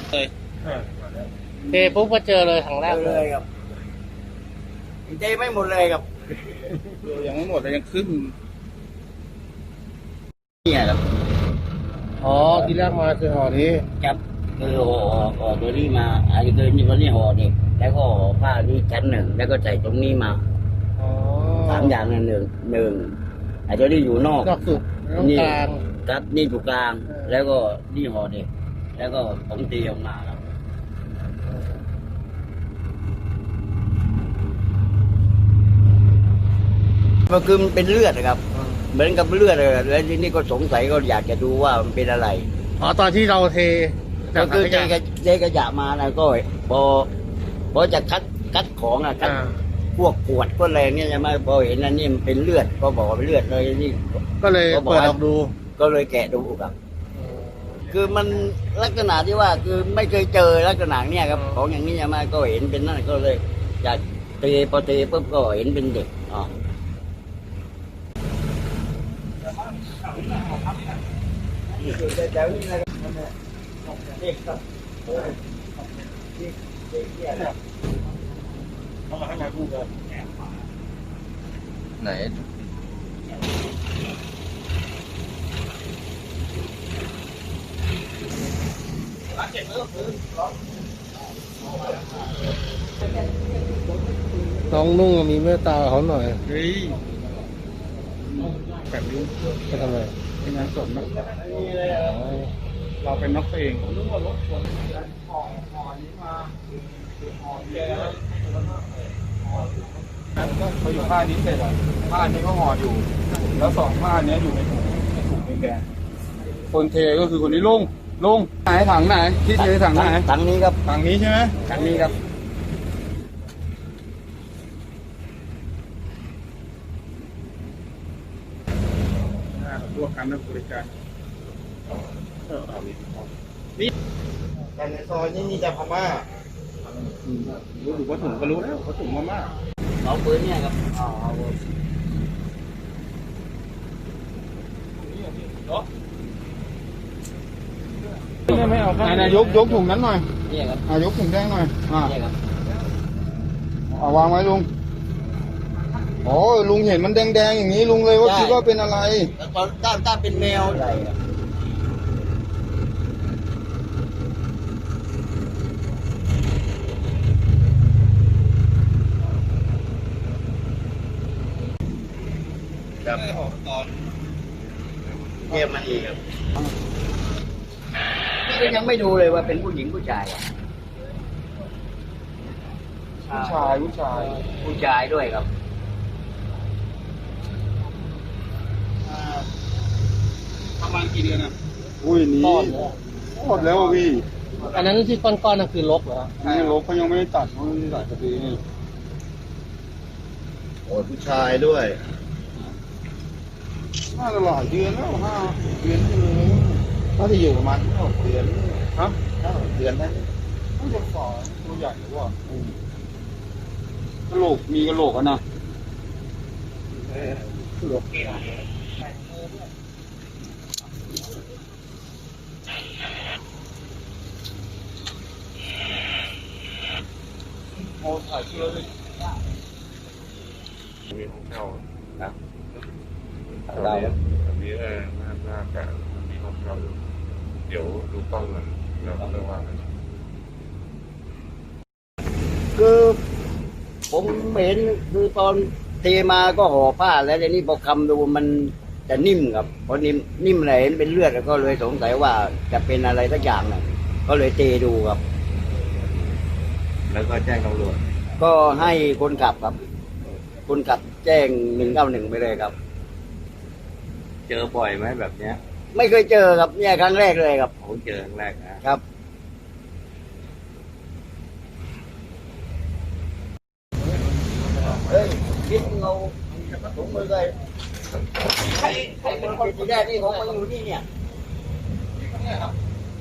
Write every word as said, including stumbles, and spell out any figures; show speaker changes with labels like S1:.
S1: เลยเทปุ๊บก็เจอเลยครั้งแรก
S2: เลยครับเจไม่หมดเลยครับ
S1: ยังไม่หมดเลยยังขึ้น
S2: เนี่ยครับ
S1: อ๋อที่แรกมาคือห่อนี้
S2: ครับคือห่อห่อตัวนี้มาอันนี้คือนี่วันนี้ห่อนี่แล้วก็ห่อผ้านี้ชั้นหนึ่งแล้วก็ใส่ตรงนี้มาสามอย่างหนึ่งหนึ่งไอ้ตัวนี้อยู่นอก
S1: นอกสุด
S2: นี่
S1: กลาง
S2: ครับนี่อยู่กลางแล้วก็นี่ห่อนี่แล้วก็ผมตีออกมาครับมันคือมันเป็นเลือดนะครับเหมือนกับเลือดเลยแล้วทีนี้ก็สงสัยก็อยากจะดูว่ามันเป็นอะไร
S1: อ๋อตอนที่เราเท
S2: ก็คือเทกระเทกระยะมานะก็พอพอจะคัดคัดของอะคัดพวกขวดพวกอะไรเนี่ยจะมาพอเห็นอันนี้มันเป็นเลือดก็บอกว่าเป็นเลือดเลยนี่
S1: ก็เลยเปิดออกดู
S2: ก็เลยแกะดูครับคือมันลักษณะที่ว่าคือไม่เคยเจอลักษณะเนี้ยครับของอย่างนี้จะมาก็เห็นเป็นนั่นก็เลยจะเทพอเทปุ๊บก็เห็นเป็นเด็กอ๋อ
S1: ไหนน้องนุ่งมีเมตตาเขาหน่อยเฮ้ยแบบนี้จะทำไมเป็นงานสดนะเราเป็นนักเพลงเขาอยู่ผ้านี้เสร็จอ่ะผ้านี้ก็ห่ออยู่แล้วสองผ้านี้อยู่ในถุงถุงแดงคนเทก็คือคนนี้ลุงลุงไหนถังไหนที่เทถังไหน
S2: ถังนี้ครับ
S1: ถังนี้ใช่ไหม
S2: ถังนี้ครับ
S1: ร่วมกันนักบริการนี่แต่ในซอยนี่มีแต่พม่ารู้อยู่ว่าถุงก็รู้แล้วว่าถุงพม่า
S2: เอาปืนเนี่ยครับอ๋อ
S1: ไม่เอานายยกยกถุงนั้นหน่อย
S2: นี่ครับ
S1: อ่ายกถุงแดงหน่อยอ่า
S2: นี่ครับ
S1: เอาวางไว้ลุงอ๋อลุงเห็นมันแดงๆอย่างนี้ลุงเลยว่าคิดว่าเป็นอะไร
S2: ตอนต้านต้านเป็นแมวใหญ่ครับตอนเทียมมันอีกครับนี่ก็ยังไม่ดูเลยว่าเป็นผู้หญิงผู้ชาย
S1: ผู้ชายผู้ชาย
S2: ผู้ชายด้วยครับ
S1: ประมาณกี่เดือนอ่ะอุ้ยนี้หมดแล้วพี่อันนั้นที่ก้อนๆนั่นคือลกเหรอนี่ลกเขายังไม่ได้ตัดเขาไม่ได้ตัดกระดีนี่โอ้ผู้ชายด้วยน่าจะหลายเดือนแล้วห้าเดือนเลยน่าจะอยู่ประมาณห้าเดือนฮะห้าเดือนนะน่าจะฝ่าตัวใหญ่หรือว่ากระโหลกมีกระโหลกอ่ะนะกระโหลกเอาถ่ายเชือกเลย
S3: มีห้องเช่า
S2: ครับ
S3: เราแบบนี้เออน่าน่าจะมีห้องเช่าอยู่เดี๋ยวดูกล้องกันแล้วเรื่องว่ากัน
S2: คือผมเห็นคือตอนเทมาก็ห่อผ้าแล้วทีนี้พอคำดูมันจะนิ่มครับพอนิ่มนิ่มอะไรเห็นเป็นเลือดก็เลยสงสัยว่าจะเป็นอะไรสักอย่างหนึ่งก็เลยเทดูครับ
S3: แล้วก็แจ้งตำรวจ
S2: ก็ให้คนขับครับคนขับแจ้งหนึ่งเก้าหนึ่งไปเลยครับ
S3: เจอบ่อยไหมแบบเนี้ย
S2: ไม่เคยเจอครับเนี่ยครั้งแรกเลยครับ
S3: ผมเจอครั้งแรกนะครับ
S2: เฮ้ยคิดเราถุงมือเลยใครใครเป็นคนที่แรกนี่ผมมาอยู่นี่เนี่ย